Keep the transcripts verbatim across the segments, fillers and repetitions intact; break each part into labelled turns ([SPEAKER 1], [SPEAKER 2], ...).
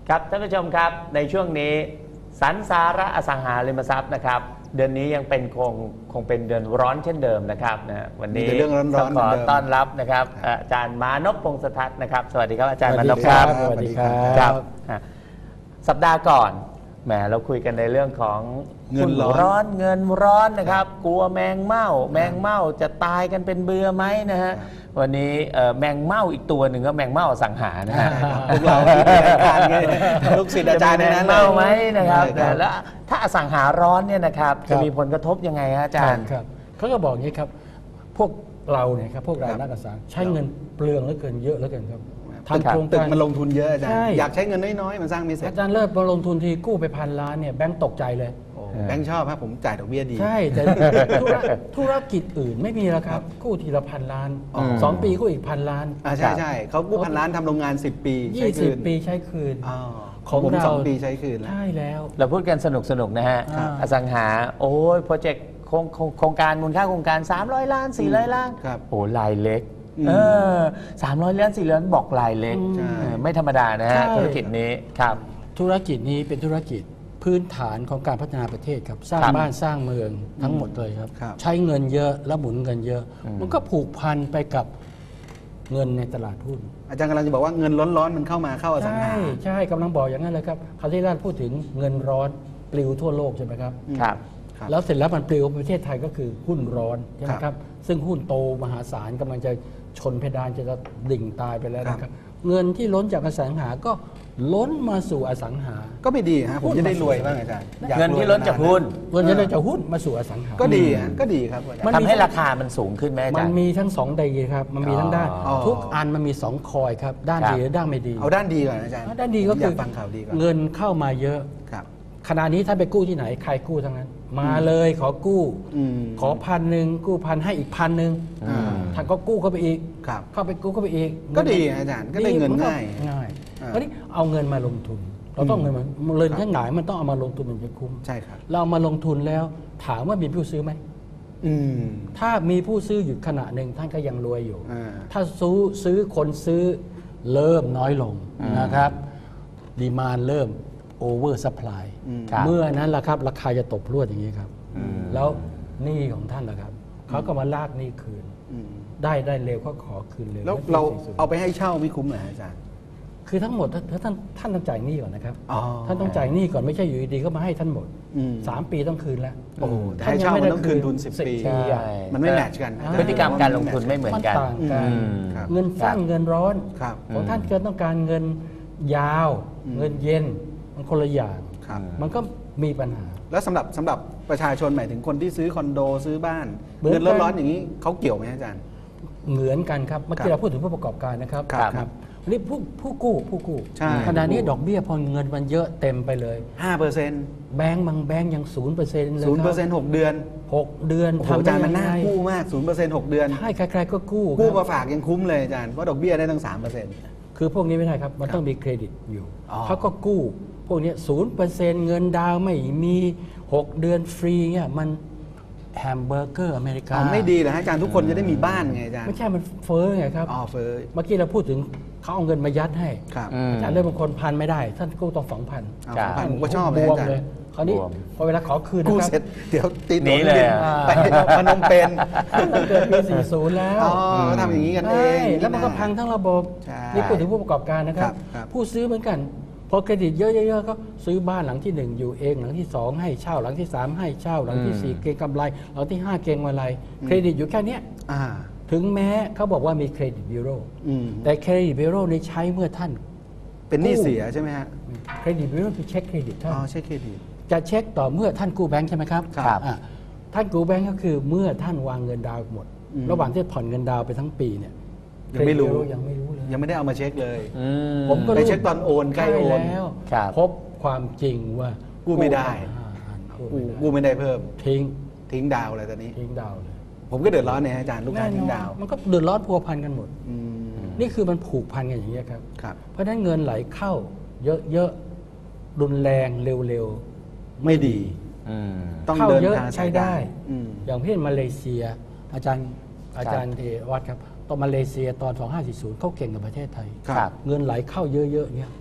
[SPEAKER 1] ครับท่านผู้ชมครับในช่วงนี้สันสาระอสังหาริมทรัพย์นะครับเดือนนี้ยังเป็นคงคงเป็นเดือนร้อนเช่นเดิมนะครับนะวันนี้ต้องขอต้อนรับนะครับอาจารย์มานพพงษ์สทัศน์นะครับสวัสดีครับอาจารย์มานพครับ
[SPEAKER 2] สวัสดีครับ
[SPEAKER 1] สัปดาห์ก่อนแหมเราคุยกันในเรื่องของ
[SPEAKER 2] เงินร้อน
[SPEAKER 1] ร้อนเงินร้อนนะครับกลัวแมงเม่าแมงเม่าจะตายกันเป็นเบื่อไหมนะฮะวันนี้แมงเม่าอีกตัวหนึ่งก็แมงเม่าสังหารนะฮะ
[SPEAKER 2] พวกเราที่เป็นอาจารย์ไงลูกศิษย์อาจารย์ในนั้น
[SPEAKER 1] แมงเม่าไหมนะครับแล้วถ้าอสังหาร้อนเนี่ยนะครับจะมีผลกระทบยังไงฮะอาจารย์
[SPEAKER 3] ครับเขาก็บอกอย่างนี้ครับพวกเราเนี่ยครับพวกเรานักอสังหาใช้เงินเปลืองเหลือเกินเยอะเหลือเกินครับ
[SPEAKER 2] ทำโครงการมันลงทุนเยอะอาจารย์อยากใช้เงินน้อยๆมันสร้างไม่เสร็จ
[SPEAKER 3] อาจารย์เลิศมาลงทุนทีกู้ไปพันล้านเนี่ยแบงก์ตกใจเลย
[SPEAKER 2] แบงค์ชอบครับผมจ่ายดอกเบี้ยดี
[SPEAKER 3] ใช่แต่ธุรกิจอื่นไม่มีแล้วครับกู้ทีละพันล้านสองปีกู้อีกพันล้าน
[SPEAKER 2] อ่าใช่ใช่เขากู้พันล้านทำโรงงานสิบปี
[SPEAKER 3] ยี่สิบปีใช้คืน
[SPEAKER 2] ของผมสองปีใช้คืน
[SPEAKER 3] ใช่แล้ว
[SPEAKER 1] เราพูดกันสนุกสนุกนะฮะอสังหาโอ้ยโปรเจกต์โครงการมูลค่าโครงการสามร้อยล้านสี่ร้อยล้านโอ้รายเล็กเออสามร้อยล้านสี่ร้อยล้านบอกรายเล็กไม่ธรรมดานะฮะธุรกิจนี้ครับ
[SPEAKER 3] ธุรกิจนี้เป็นธุรกิจพื้นฐานของการพัฒนาประเทศครับสร้างบ้านสร้างเมืองทั้งหมดเลยครับใช้เงินเยอะแล้วหมุนเงินเยอะมันก็ผูกพันไปกับเงินในตลาดหุ้น
[SPEAKER 2] อาจารย์กำลังจะบอกว่าเงินร้อนๆมันเข้ามาเข้าอสังหา
[SPEAKER 3] ใช่ใช่กำลังบอกอย่างนั้นเลยครับคราวที่แรกพูดถึงเงินร้อนปลิวทั่วโลกใช่ไหมครับ
[SPEAKER 1] ครับ
[SPEAKER 3] แล้วเสร็จแล้วมันปลิวประเทศไทยก็คือหุ้นร้อนใช่ไหมครับซึ่งหุ้นโตมหาศาลกำลังจะชนเพดานจะดิ่งตายไปแล้วนะครับเงินที่ล้นจากอสังหาก็ล้นมาสู่อสังหา
[SPEAKER 2] ก็ไม่ดีฮะผมจะได้รวยบ้างอาจารย์
[SPEAKER 1] เงินที่ล้นจากหุ้น
[SPEAKER 3] เงินที่ล้นจากหุ้นมาสู่อสังหา
[SPEAKER 2] ก็ดีฮะก็ดีครับ
[SPEAKER 1] ทำให้ราคามันสูงขึ้นไหมอาจารย์
[SPEAKER 3] มันมีทั้งสองดีครับมันมีทั้งด้านทุกอันมันมีสองคอยครับด้านดีและด้านไม่ดี
[SPEAKER 2] เอาด้านดีก่อนอาจารย์
[SPEAKER 3] ด้านดีก็คือ
[SPEAKER 2] ฟังข่าวดีก่อน
[SPEAKER 3] เงินเข้ามาเยอะขณะนี้ถ้าไปกู้ที่ไหนใครกู้ทั้งนั้นมาเลยขอกู้ขอพันหนึ่งกู้พันให้อีกพันหนึ่งท่านก็กู้เข้าไปอีกเข้าไปกู้เข้าไปอีก
[SPEAKER 2] ก็ดีอาจารย์ก็ได้เงินง่าย
[SPEAKER 3] ง่ายอันนี้เอาเงินมาลงทุนเราต้องเงินมาเงินแค่หงายมันต้องเอามาลงทุนมันจะคุ้ม
[SPEAKER 2] ใช่ครับ
[SPEAKER 3] เรามาลงทุนแล้วถามว่ามีผู้ซื้อไหมถ้ามีผู้ซื้ออยู่ขณะหนึ่งท่านก็ยังรวยอยู่ถ้าซื้อซื้อคนซื้อเริ่มน้อยลงนะครับดีมานด์เริ่มโอเวอร์ซัพพลายเมื่อนั้นล่ะครับราคาจะตกพรวดอย่างนี้ครับแล้วหนี้ของท่านล่ะครับเขาก็มาลากหนี้คืนได้ได้เร็วก็ขอคืนเร็ว
[SPEAKER 2] แล้วเราเอาไปให้เช่าไม่คุ้มเหรออาจารย์
[SPEAKER 3] คือทั้งหมดถ้าท่านท่านต้องจ่ายหนี้ก่อนนะครับท่านต้องจ่ายหนี้ก่อนไม่ใช่อยู่ดีๆก็มาให้ท่านหมดสามปีต้องคืนแล้ว
[SPEAKER 2] โอ้ถ้าเช่ามันต้องคืนทุนสิบปีมันไม่แมทช์กัน
[SPEAKER 1] พฤติกรรมการลงทุนไม่เหมือนกัน
[SPEAKER 3] เงินสั้นเงินร้อนของท่านเกิดต้องการเงินยาวเงินเย็นมันคนละอย่างมันก็มีปัญหา
[SPEAKER 2] แล้วสำหรับสำหรับประชาชนหมายถึงคนที่ซื้อคอนโดซื้อบ้านเงินร้อนๆอย่างนี้เขาเกี่ยวไหมอาจารย์
[SPEAKER 3] เหมือนกันครับเมื่อกี้เราพูดถึงผู้ประกอบการนะครับครับนี่ผู้ผู้กู้ผู้กู้ขณะนี้ดอกเบี้ยพอเงินมันเยอะเต็มไปเลย
[SPEAKER 2] ห้าเปอร์เซ็นต์
[SPEAKER 3] แบงก์บางแบงก์ยัง ศูนย์เปอร์เซ็นต์ เลย
[SPEAKER 2] ศูนย์เปอร์เซ็นต์ หกเดือน
[SPEAKER 3] หกเดือน
[SPEAKER 2] ทำอาจารย์มันน่ากู้มาก ศูนย์เปอร์เซ็นต์ หกเดือน
[SPEAKER 3] ใช่ใครๆก็กู้
[SPEAKER 2] กู้มาฝากยังคุ้มเลยอาจารย์เพราะดอกเบี้ยได้ตั้ง สามเปอร์เซ็นต์
[SPEAKER 3] คือพวกนี้ไม่ได้ครับมันต้องมีเครดิตอยู่เขาก็กู้พวกนี้ ศูนย์เปอร์เซ็นต์ เงินดาวไม่มีหกเดือนฟรีเนี่ยมันแฮมเบอร์เกอร์อเมริกา
[SPEAKER 2] ไม่ดีเหรออาจารย์ทุกคนจะได้มีบ้านไงอาจารย์
[SPEAKER 3] ไม่ใช่มันเฟ้อไงครับ
[SPEAKER 2] อ๋อเฟ้อ
[SPEAKER 3] เมื่อกี้เราพูดถึงเขาเอาเงินมายัดให้อาจารย์เริ่มบางคนพันไม่ได้ท่านกู้ต้องสองพัน
[SPEAKER 2] สองพันผมก็ชอบเลยอาจารย์
[SPEAKER 3] คราวนี้พอเวลาขอคืน
[SPEAKER 2] กู้เสร็จเดี๋ยวตี
[SPEAKER 1] นี้เลย
[SPEAKER 2] ไปพนมเปญ
[SPEAKER 3] ตั้งเกิดปีสี่สิบแล้ว
[SPEAKER 2] อ๋อทำอย่างนี้กันเอง
[SPEAKER 3] แล้วมันก็พังทั้งระบบนี่พูดถึงผู้ประกอบการนะครับผู้ซื้อเหมือนกันพอเครดิตเยอะๆก็ซื้อบ้านหลังที่หนึ่งอยู่เองหลังที่สองให้เช่าหลังที่สามให้เช่าหลังที่สี่เก็งกำไรหลังที่ห้าเก็งกำไรเครดิตอยู่แค่นี้ถึงแม้เขาบอกว่ามีเครดิตบิโรแต่เครดิตบิโรนี้ใช้เมื่อท่าน
[SPEAKER 2] เป็นหนี้เสียใช่ไหมฮะ
[SPEAKER 3] เครดิตบิโรคือเช็คเครดิตท่าน
[SPEAKER 2] อ๋อเช็คเครดิต
[SPEAKER 3] จะเช็คต่อเมื่อท่านกู้แบงค์ใช่ไหมครับครับท่านกู้แบงค์ก็คือเมื่อท่านวางเงินดาวหมดระหว่างที่ผ่อนเงินดาวไปทั้งปีเนี่ย
[SPEAKER 2] ยังไม่รู้
[SPEAKER 3] ยังไม่รู้เลย
[SPEAKER 2] ยังไม่ได้เอามาเช็คเลย
[SPEAKER 3] ผมก็
[SPEAKER 2] ไปเช็คตอนโอนใกล้โอน
[SPEAKER 3] แล้วพบความจริงว่า
[SPEAKER 2] กู้ไม่ได้กู้ไม่ได้เพิ่ม
[SPEAKER 3] ทิ้ง
[SPEAKER 2] ทิ้งดาวอะไรตอนนี้
[SPEAKER 3] ทิ้งดาวเลย
[SPEAKER 2] ผมก็เดือดร้อนเนี่ยอาจารย์ลูกค้าทิ้งดาว
[SPEAKER 3] มันก็เดือดร้อนพัวพันกันหมดนี่คือมันผูกพันกันอย่างนี้ครับเพราะฉะนั้นเงินไหลเข้าเยอะๆรุนแรงเร็วๆไม่ดี
[SPEAKER 2] ต้อง
[SPEAKER 3] เข้าเยอะใช้ได้อย่างเช่นมาเลเซียอาจารย์อาจารย์เทวัฒน์ครับตอนมาเลเซียตอนสองพันห้าร้อยสี่สิบเขาเก่งกับประเทศไทยเงินไหลเข้าเยอะๆเนี่ย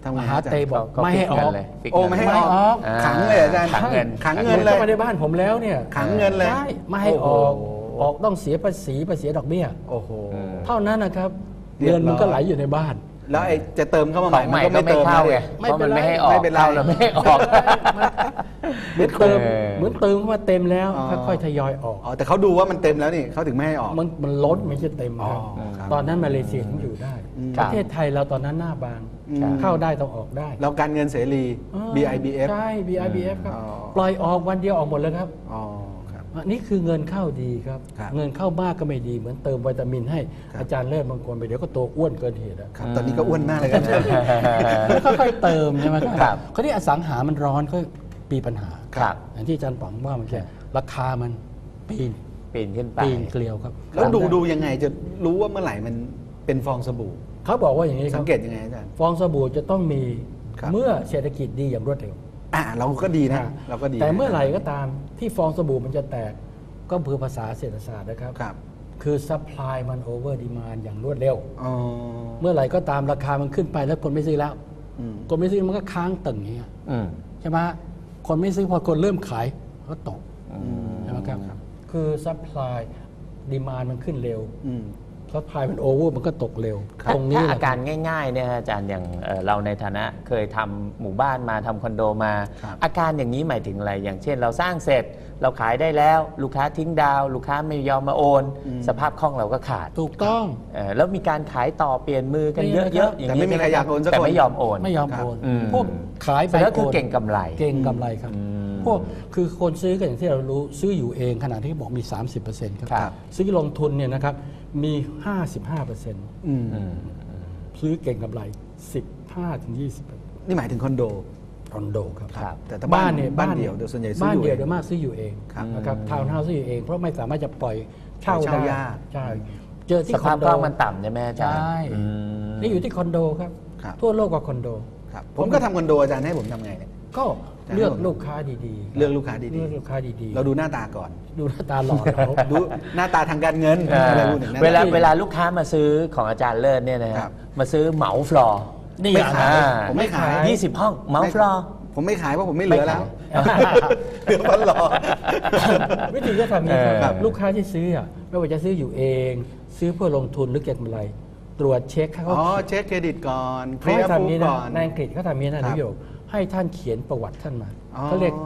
[SPEAKER 2] ทำไง
[SPEAKER 3] มหาเตบอก
[SPEAKER 1] เขา
[SPEAKER 3] ไม่ให้ออก
[SPEAKER 1] เลยฟิก
[SPEAKER 2] โอ้
[SPEAKER 1] เงิน
[SPEAKER 2] ไม่ให้
[SPEAKER 3] ไม่
[SPEAKER 2] อ
[SPEAKER 3] อ
[SPEAKER 2] อ
[SPEAKER 3] อก ก
[SPEAKER 2] ขังเลยอาจารย์
[SPEAKER 1] ขังเงิน
[SPEAKER 2] ขังเงินเลย
[SPEAKER 3] ข้ามาในบ้านผมแล้วเนี่ย
[SPEAKER 2] ขังเงินเลย
[SPEAKER 3] ใช่ไม่ให้ออก
[SPEAKER 2] โอ้โห
[SPEAKER 3] ออกต้องเสียภาษีภาษีดอกเบี้ย
[SPEAKER 2] โอ้โห
[SPEAKER 3] เท่านั้นนะครับ
[SPEAKER 2] เรียบร้อย
[SPEAKER 3] เงินมันก็ไหลอยู่ในบ้าน
[SPEAKER 2] แล้วไอ้จะเติมเข้ามาให
[SPEAKER 1] ข
[SPEAKER 2] ม่
[SPEAKER 1] อง
[SPEAKER 2] มั
[SPEAKER 1] ให
[SPEAKER 2] น
[SPEAKER 1] ม่
[SPEAKER 2] ก็
[SPEAKER 1] ก็
[SPEAKER 2] ไม่
[SPEAKER 1] ไม่
[SPEAKER 2] เติม
[SPEAKER 1] เข้า
[SPEAKER 2] นะ
[SPEAKER 1] ไง
[SPEAKER 3] ไม่
[SPEAKER 1] เพราะ
[SPEAKER 3] เป็
[SPEAKER 1] มัน น
[SPEAKER 3] ไร
[SPEAKER 1] ไม่ให้ออก
[SPEAKER 2] ไม่เป็นไร
[SPEAKER 1] เข้าแล้วไม่ให้ออก
[SPEAKER 3] เหมือนเติม
[SPEAKER 1] เออ
[SPEAKER 3] เหมือนเติมเข้ามาเต็มแล้ว
[SPEAKER 2] อ๋อ
[SPEAKER 3] ค่อยๆทยอยออก
[SPEAKER 2] อ๋อแต่เขาดูว่ามันเต็มแล้วนี่เขาถึงไม่ให้ออก
[SPEAKER 3] มันมันล้นไม่ใช่เต็มครับ
[SPEAKER 2] อ๋อครับ
[SPEAKER 3] ตอนนั้นมาเลเซียถึงอยู่ได้
[SPEAKER 2] อืม
[SPEAKER 3] ประเทศไทยเราตอนนั้นหน้าบาง
[SPEAKER 2] อืม
[SPEAKER 3] เข้าได้ต้องออกได้
[SPEAKER 2] เราการเงินเสรี
[SPEAKER 3] เออ
[SPEAKER 2] บี ไอ บี เอฟ
[SPEAKER 3] ใช่ บี ไอ บี เอฟ ครับ
[SPEAKER 2] อ๋อ
[SPEAKER 3] ปล่อยออกวันเดียวออกหมดเลยครับ
[SPEAKER 2] อ๋อครับ
[SPEAKER 3] อันนี้คือเงินเข้าดีครับ
[SPEAKER 2] ครับ
[SPEAKER 3] เงินเข้ามากก็ไม่ดีเหมือนเติมวิตามินให้
[SPEAKER 2] ครับ
[SPEAKER 3] อาจารย์เลิศบางคนไปเดี๋ยวก็ตัวอ้วนเกินเหตุอะ
[SPEAKER 2] ครับตอนนี้ก็อ้วนมากเลยครับ
[SPEAKER 3] แล้วค่อยๆเติมใช่ไหม
[SPEAKER 1] ครับ
[SPEAKER 3] เขาที่อสังหามันร้อนก็มีปัญหา
[SPEAKER 1] ครับ
[SPEAKER 3] อย่างที่อาจารย์ป๋องว่ามันแค่ราคามันปีน
[SPEAKER 1] ปีนขึ้นไป
[SPEAKER 3] ปีนเกลียวครับ
[SPEAKER 2] แล้วดูดูยังไงจะรู้ว่าเมื่อไหร่มันเป็นฟองสบู่
[SPEAKER 3] เขาบอกว่าอย่างนี้ค
[SPEAKER 2] สั
[SPEAKER 3] รับ
[SPEAKER 2] งเกตยังไงอาจารย์
[SPEAKER 3] ฟองสบู่จะต้องมี
[SPEAKER 2] ครับ
[SPEAKER 3] เมื่อเศรษฐกิจดีอย่างรวดเร็ว
[SPEAKER 2] อ่าเราก็ดีนะ เราก็ดี
[SPEAKER 3] แต่เมื่อ
[SPEAKER 2] นะ
[SPEAKER 3] ไหร่ก็ตามที่ฟองสบู่มันจะแตกก็คือภาษาเศรษฐศาสตร์นะครับ
[SPEAKER 2] ครับ
[SPEAKER 3] คือ supply มัน over demand อย่างรวดเร็ว
[SPEAKER 2] อ๋อ
[SPEAKER 3] เมื่อไหร่ก็ตามราคามันขึ้นไปแล้วคนไม่ซื้อแล้ว
[SPEAKER 2] อืม
[SPEAKER 3] คนไม่ซื้อมันก็ค้างตึงอย่างเงี้ย
[SPEAKER 1] อืม
[SPEAKER 3] ใช่ไหมคนไม่ซื้อพอคนเริ่มขายก็ตก
[SPEAKER 1] อืม
[SPEAKER 3] ใช่ไหมครับคือ supply demand มันขึ้นเร็ว
[SPEAKER 2] อืม
[SPEAKER 3] supply มัน over มันก็ตกเร็ว
[SPEAKER 1] ถ้า
[SPEAKER 3] ตรงนี้
[SPEAKER 1] ถ้า
[SPEAKER 3] แห
[SPEAKER 1] อา
[SPEAKER 3] ละ
[SPEAKER 1] การง่ายๆเนี่ยฮะอาจารย์อย่างเอ่อเราในฐานะเคยทำหมู่บ้านมาทำคอนโดมา
[SPEAKER 2] ครับ
[SPEAKER 1] อาการอย่างนี้หมายถึงอะไรอย่างเช่น เราสร้างเสร็จเราขายได้แล้ว ลูกค้าทิ้งดาว ลูกค้าไม่ยอมมาโอน สภาพคล่องเราก็ขาด
[SPEAKER 3] ถูกต้อง
[SPEAKER 1] เอ่อแล้วมีการขายต่อเปลี่ยนมือกัน
[SPEAKER 3] นี่
[SPEAKER 1] เย
[SPEAKER 3] นะครับ
[SPEAKER 1] อะๆอย่าง
[SPEAKER 2] แต่ไม่มีใครอยากโอนสักคน
[SPEAKER 1] แต่ไม่ยอมโอน
[SPEAKER 3] ไม่ยอมโอน
[SPEAKER 1] อืม
[SPEAKER 3] พวกขายไป
[SPEAKER 1] แต่ก็คือ
[SPEAKER 3] โน
[SPEAKER 1] เก่งกำไร
[SPEAKER 3] เก่งกำไรครับ
[SPEAKER 1] อืม
[SPEAKER 3] พวกคือคนซื้อกันอย่างที่เรารู้ซื้ออยู่เองขณะที่บอกมี สามสิบเปอร์เซ็นต์ ครับ
[SPEAKER 1] ครับ
[SPEAKER 3] ซื้อลงทุนเนี่ยนะครับมี ห้าสิบห้าเปอร์เซ็นต์
[SPEAKER 2] อืม
[SPEAKER 1] อืม
[SPEAKER 3] ซื้อเก่งกำไร สิบห้าถึงยี่สิบ
[SPEAKER 2] นี่หมายถึงคอนโด
[SPEAKER 3] คอนโดครับ
[SPEAKER 1] ครับ
[SPEAKER 2] แต่ถ้าบ้าน
[SPEAKER 3] เนี่ย
[SPEAKER 2] บ้านเดี่ยวโดยส่วนใหญ่ซื้อ
[SPEAKER 3] บ้าน
[SPEAKER 2] อยู่
[SPEAKER 3] เดี่ยว
[SPEAKER 2] เอง
[SPEAKER 3] โดยมากซื้ออยู่เอง
[SPEAKER 2] ครับ
[SPEAKER 3] นะครับทาวน์เฮาส์ซื้ออยู่เองเพราะไม่สามารถจะปล่อยเช่า
[SPEAKER 2] ปล่อยเช่า
[SPEAKER 3] ได้
[SPEAKER 2] ยาก
[SPEAKER 3] ใช่เจอที่
[SPEAKER 1] ส
[SPEAKER 3] ค
[SPEAKER 1] ภา
[SPEAKER 3] อ
[SPEAKER 1] พ
[SPEAKER 3] นโด
[SPEAKER 1] คล่องมันต่ำใช่ไหมอาจารย์
[SPEAKER 3] ใช่
[SPEAKER 1] อืม
[SPEAKER 3] นี่อยู่ที่คอนโดครับ
[SPEAKER 2] ครับ
[SPEAKER 3] ทั่วโลกก็คอนโด
[SPEAKER 2] ครับผมก็ทำคอนโดอาจารย์ให้ผมทำไงเนี่ย
[SPEAKER 3] ก็เลือกลูกค้าดีๆ
[SPEAKER 2] เลือกลูกค้าดีๆ
[SPEAKER 3] เลือกลูกค้าดีๆ
[SPEAKER 2] เราดูหน้าตาก่อน
[SPEAKER 3] ดูหน้าตาหล่อเขา
[SPEAKER 2] ดูหน้าตาทางการเงิน
[SPEAKER 1] เอ่อ
[SPEAKER 2] อะไรพวกนี้
[SPEAKER 1] เวลา
[SPEAKER 2] หน้ต
[SPEAKER 1] เวลาลูกค้ามาซื้อของอาจารย์เลิศเนี่ยนะฮะ
[SPEAKER 2] ครับ
[SPEAKER 1] มาซื้อเหมาฟลอร์
[SPEAKER 3] นี่
[SPEAKER 2] ไม่
[SPEAKER 3] อ่ะ
[SPEAKER 2] ขาย
[SPEAKER 1] อ่า
[SPEAKER 2] ผมไม่ขาย
[SPEAKER 1] ยี่สิบห้องเหมาฟลอร์
[SPEAKER 2] ผมไม่ขายเพราะผมไม่เหลือแล้ว
[SPEAKER 1] ไม่ขาย
[SPEAKER 2] เหลือพันหลอ
[SPEAKER 3] วิธีก็ทำอย่างนี้
[SPEAKER 1] เออ
[SPEAKER 3] ครับลูกค้าที่ซื้ออ่ะไม่ว่าจะซื้ออยู่เอง ซื้อเพื่อลงทุนหรือเก็บกำไร ตรวจเช็คให้เขา
[SPEAKER 2] อ๋อเช็คเครดิตก่อนเค
[SPEAKER 3] เขา
[SPEAKER 2] ลีย
[SPEAKER 3] ให้
[SPEAKER 2] ร์
[SPEAKER 3] ทำ
[SPEAKER 2] ฟู
[SPEAKER 3] นี้นะ
[SPEAKER 2] ก่อน
[SPEAKER 3] ในอังกฤษเขาทำนี้นะ
[SPEAKER 2] ครั
[SPEAKER 3] นิ
[SPEAKER 2] บ
[SPEAKER 3] ยมให้ท่านเขียนประวัติท่านมา
[SPEAKER 2] อ๋อ
[SPEAKER 3] เขาเรียก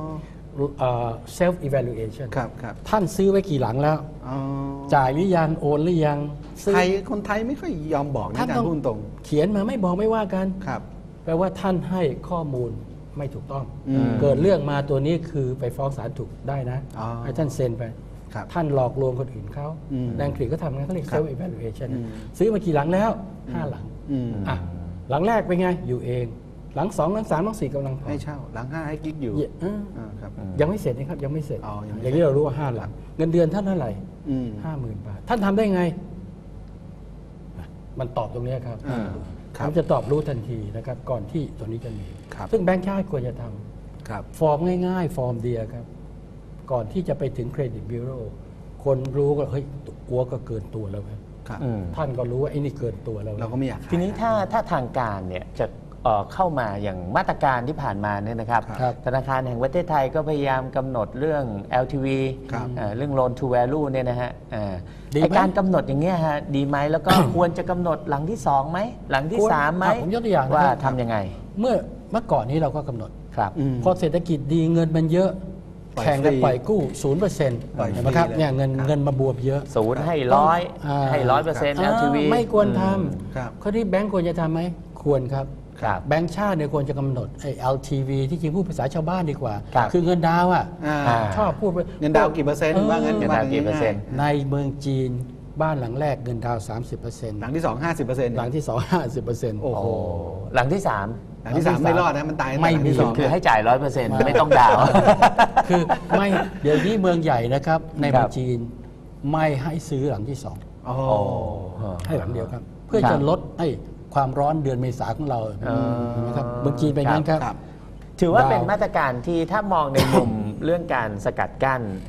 [SPEAKER 3] self evaluation
[SPEAKER 2] ครับครับ
[SPEAKER 3] ท่านซื้อไว้กี่หลังแล้ว
[SPEAKER 2] อ๋อ
[SPEAKER 3] จ่ายหรือยังโอนหรือยังซื้อ
[SPEAKER 2] ไทยคนไทยไม่ค่อยยอมบอกนะ
[SPEAKER 3] ท่าน
[SPEAKER 2] อาจาร
[SPEAKER 3] ต้อง
[SPEAKER 2] ย์พูดตรง
[SPEAKER 3] เขียนมาไม่บอกไม่ว่ากัน
[SPEAKER 2] ครับ
[SPEAKER 3] แปลว่าท่านให้ข้อมูลไม่ถูกต้อง
[SPEAKER 2] อืม
[SPEAKER 3] เกิดเรื่องมาตัวนี้คือไปฟ้องศาลถูกได้นะ
[SPEAKER 2] อ๋อ
[SPEAKER 3] ให้ท่านเซ็นไป
[SPEAKER 2] ครับ
[SPEAKER 3] ท่านหลอกลวงคนอื่นเขา
[SPEAKER 2] อืม
[SPEAKER 3] ในอังกฤษก็ทำงั้นเขาเรียก
[SPEAKER 2] ครับ
[SPEAKER 3] self evaluation
[SPEAKER 2] อืม
[SPEAKER 3] ซื้อมากี่หลังแล้วห้าหลัง
[SPEAKER 2] อืม
[SPEAKER 3] อ่ะหลังแรกเป็นไงอยู่เอง หลังสองหลังสามหลังสี่กำลังผ่อน
[SPEAKER 2] ให้เช่าหลังห้าให้กิ๊กอยู่
[SPEAKER 3] เยอ่า
[SPEAKER 2] อ่าครับ
[SPEAKER 3] ยังไม่เสร็จนะครับยังไม่เสร็จ
[SPEAKER 2] อ๋อยังไม่
[SPEAKER 3] อย่างนี้เรารู้ว่าห้าหลัง เงินเดือนท่านเท่าไหร่
[SPEAKER 2] อืม
[SPEAKER 3] ห้าหมื่นบาทท่านทำได้ไงอ่ะมันตอบตรงนี้ครับ
[SPEAKER 2] อ่าครับ
[SPEAKER 3] มันจะตอบรู้ทันทีนะครับก่อนที่ตัวนี้จะมี
[SPEAKER 2] ครับ
[SPEAKER 3] ซึ่งแบงค์ชาติควรจะทำ
[SPEAKER 2] ครับ
[SPEAKER 3] ฟอร์มง่ายๆ ฟอร์มเดียวครับ ก่อนที่จะไปถึงเครดิตบิโรคนรู้ก็เฮ้ยกลัวก็เกินตัวแล้วครับ
[SPEAKER 2] ครับ
[SPEAKER 1] อืม
[SPEAKER 3] ท่านก็รู้ว่าไอ้นี่เกินตัวแล้ว
[SPEAKER 2] เราก็ไม่อยากขาย
[SPEAKER 1] ทีนี้ถ้าถ้าทางการเนี่ยจะเอ่อเข้ามาอย่างมาตรการที่ผ่านมาเนี่ยนะครับ
[SPEAKER 3] ครับ
[SPEAKER 1] ธนาคารแห่งประเทศไทยก็พยายามกำหนดเรื่อง แอล ที วี
[SPEAKER 2] ครับ
[SPEAKER 1] เอ่อเรื่อง loan to value เนี่ยนะฮะเอ่อ
[SPEAKER 3] ดีไหม
[SPEAKER 1] ไอการกำหนดอย่างเงี้ยฮะดีไหมแล้วก็ ควรจะกำหนดหลังที่สองไหมหลังที่
[SPEAKER 3] ควร
[SPEAKER 1] สามไหม
[SPEAKER 3] อ่ะผมยกตัวอย่างนะครับ
[SPEAKER 1] ว่าทำยังไง
[SPEAKER 3] เมื่อเมื่อก่อนนี้เราก็กำหนด
[SPEAKER 1] ครับ
[SPEAKER 2] อืม
[SPEAKER 3] พอเศรษฐกิจดีเงินมันเยอะ
[SPEAKER 2] ปล่อย
[SPEAKER 3] แข่งกัน
[SPEAKER 2] ฟรี
[SPEAKER 3] ปล่อยกู้ศูนย์เปอร์เซ็นต์
[SPEAKER 2] ปล่อยฟรี
[SPEAKER 3] เห็นไหมครับ
[SPEAKER 2] เลย
[SPEAKER 3] เนี่ยเงิน
[SPEAKER 2] ครับ
[SPEAKER 3] เงินมาบวมเยอะ
[SPEAKER 1] ศูนย์ให้ร้อย
[SPEAKER 3] อ่า
[SPEAKER 1] ให้ร้อยเปอร์เซ็นต์ แอล ที วี
[SPEAKER 3] อ่าไม่ควรท
[SPEAKER 2] ครับ
[SPEAKER 3] ำข้อที่แบงก์ควรจะทำไหมควรครับ
[SPEAKER 1] ครับ
[SPEAKER 3] แบงก์ชาติเนี่ยควรจะกำหนดไอ้ แอล ที วี ที่จริงพูดภาษาชาวบ้านดีกว่า
[SPEAKER 1] ครับ
[SPEAKER 3] คือเงินดาวอ่ะ
[SPEAKER 2] อ่า
[SPEAKER 1] อ่า
[SPEAKER 3] ชอบพูดไป
[SPEAKER 2] เงินดาวกี่เปอร์เซ็นต์ว่างั้น
[SPEAKER 1] เงินดาวกี่เปอร์เซ็นต์
[SPEAKER 3] ในเมืองจีนบ้านหลังแรกเงินดาว สามสิบเปอร์เซ็นต์
[SPEAKER 2] หลังที่สองห้าสิบเปอร์เซ็นต์
[SPEAKER 3] หลังที่สองห้าสิบเปอร์เซ็นต์
[SPEAKER 2] โอ้โห
[SPEAKER 1] โอ้หลังที่สาม
[SPEAKER 2] หลังที่สามไม่รอดนะมันตายตั้งแต่
[SPEAKER 3] ไม่
[SPEAKER 2] หลัง
[SPEAKER 3] มี
[SPEAKER 2] ที่สอง
[SPEAKER 1] คือให้จ่ายร้อยเปอร์เซ็นต์ไม่ต้องดาวน์
[SPEAKER 3] คือไม่เดี๋ยวนี้เมืองใหญ่นะครับในเมื
[SPEAKER 1] ค
[SPEAKER 3] อ
[SPEAKER 1] รั
[SPEAKER 3] ง
[SPEAKER 1] บ
[SPEAKER 3] จีนไม่ให้ซื้อหลังที่สอง
[SPEAKER 2] โอ้
[SPEAKER 1] โอ้
[SPEAKER 3] ให้หลังเดียวครับ เพื่อ
[SPEAKER 1] ครั
[SPEAKER 3] จะ
[SPEAKER 1] บ
[SPEAKER 3] ลดไอ้ความร้อนเดือนเมษาของเรา
[SPEAKER 1] เออ
[SPEAKER 3] เห็นไหมครับเมืองจีนเป็นอย่างนั้นครับ
[SPEAKER 2] ครับ
[SPEAKER 1] ถือว่า
[SPEAKER 3] ดาว
[SPEAKER 1] เป็นมาตรการที่ถ้ามองในมุม เรื่องการสกัดกั้น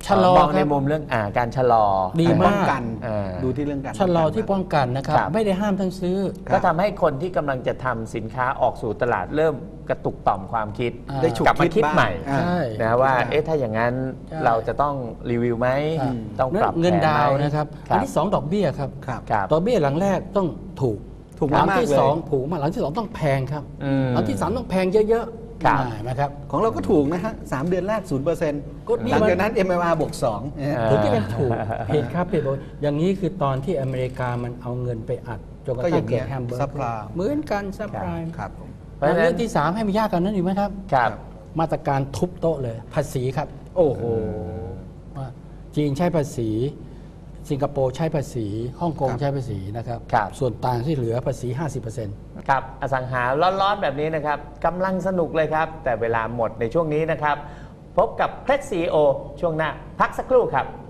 [SPEAKER 3] ชะลอ
[SPEAKER 1] มอง
[SPEAKER 3] ค
[SPEAKER 1] ใน
[SPEAKER 3] รับ
[SPEAKER 1] มุมเรื่องอ่าการชะลอ
[SPEAKER 3] ดี
[SPEAKER 2] ป้
[SPEAKER 3] มา
[SPEAKER 2] อง
[SPEAKER 3] ก
[SPEAKER 2] กัน
[SPEAKER 1] อ่า
[SPEAKER 2] ดูที่เรื่องการ
[SPEAKER 3] ชะลอ
[SPEAKER 2] ป้งกัน
[SPEAKER 3] ที่ป้องกันนะครับ
[SPEAKER 1] ครับ
[SPEAKER 3] ไม่ได้ห้ามทั้งซื้อ
[SPEAKER 2] ครับ
[SPEAKER 1] ก็ทำให้คนที่กำลังจะทำสินค้าออกสู่ตลาดเริ่มกระตุกต่อมความคิด
[SPEAKER 3] อ่า
[SPEAKER 2] ได้ฉุก
[SPEAKER 1] กลับมา
[SPEAKER 2] คิด
[SPEAKER 1] คิด
[SPEAKER 2] บ้าง
[SPEAKER 1] ใหม่
[SPEAKER 2] อ่า
[SPEAKER 3] ใช่
[SPEAKER 1] นะว่า
[SPEAKER 2] คิดบ้าง
[SPEAKER 1] เอ๊ะถ้าอย่างนั้น
[SPEAKER 3] ใช่
[SPEAKER 1] เราจะต้องรีวิวไหม
[SPEAKER 3] อ่า
[SPEAKER 1] ต้องปรับ
[SPEAKER 3] เงิน
[SPEAKER 1] แผ
[SPEAKER 3] ดาวน์
[SPEAKER 1] ไหม
[SPEAKER 3] นะครับ
[SPEAKER 1] ค
[SPEAKER 3] อัน
[SPEAKER 1] รับ
[SPEAKER 3] ที่สองดอกเบี้ยครับ
[SPEAKER 2] ครับ
[SPEAKER 1] ครับ
[SPEAKER 3] ดอกเบี้ยหลังแรกต้องถูก
[SPEAKER 2] ถูก
[SPEAKER 3] หลั
[SPEAKER 2] มากๆ
[SPEAKER 3] ที่
[SPEAKER 2] เลย
[SPEAKER 3] สองถูกมากหลังที่สองต้องแพงครับ
[SPEAKER 1] อืม
[SPEAKER 3] หลังที่สามต้องแพงเยอะๆ
[SPEAKER 1] ครับ
[SPEAKER 3] อ่านะครับ
[SPEAKER 2] ของเราก็ถูกนะฮะสามเดือนแรกศูนย์เปอร์เซ็นต์
[SPEAKER 3] ก็นี่
[SPEAKER 2] หลัง
[SPEAKER 3] มัน
[SPEAKER 2] จากนั้น เอ็ม เอ็ม อาร์ บวกสอง
[SPEAKER 3] ถึงจะเป็นถูกเหตุครับเหตุบอกอย่างนี้คือตอนที่อเมริกามันเอาเงินไปอัดจนกระ
[SPEAKER 2] ก็อ
[SPEAKER 3] ทั่
[SPEAKER 2] ย่าง ง
[SPEAKER 3] เกิ
[SPEAKER 2] เงี้
[SPEAKER 3] ด
[SPEAKER 2] ย
[SPEAKER 3] แฮมเบอร์
[SPEAKER 2] ซัพพลาย
[SPEAKER 3] เหมือนกันซัพพลาย
[SPEAKER 2] ครับผม
[SPEAKER 1] เพราะฉะนั้น
[SPEAKER 3] เรื่องที่สามให้มันยากกว่านั้นอีกไหมครับ
[SPEAKER 1] ครับ
[SPEAKER 3] มาตรการทุบโต๊ะเลยภาษีครับ
[SPEAKER 2] โอ้โห
[SPEAKER 3] ว่าจีนใช้ภาษี สิงคโปร์ใช้ภาษีฮ่องกง
[SPEAKER 2] ครับ
[SPEAKER 3] ใช้ภาษีนะครับ
[SPEAKER 1] ครับ
[SPEAKER 3] ส่วนต่างที่เหลือภาษี ห้าสิบเปอร์เซ็นต์
[SPEAKER 1] ครับอสังหาร้อนๆแบบนี้นะครับกำลังสนุกเลยครับ แต่เวลาหมดในช่วงนี้นะครับ พบกับเคล็ดซีอีโอช่วงหน้าพักสักครู่ครับ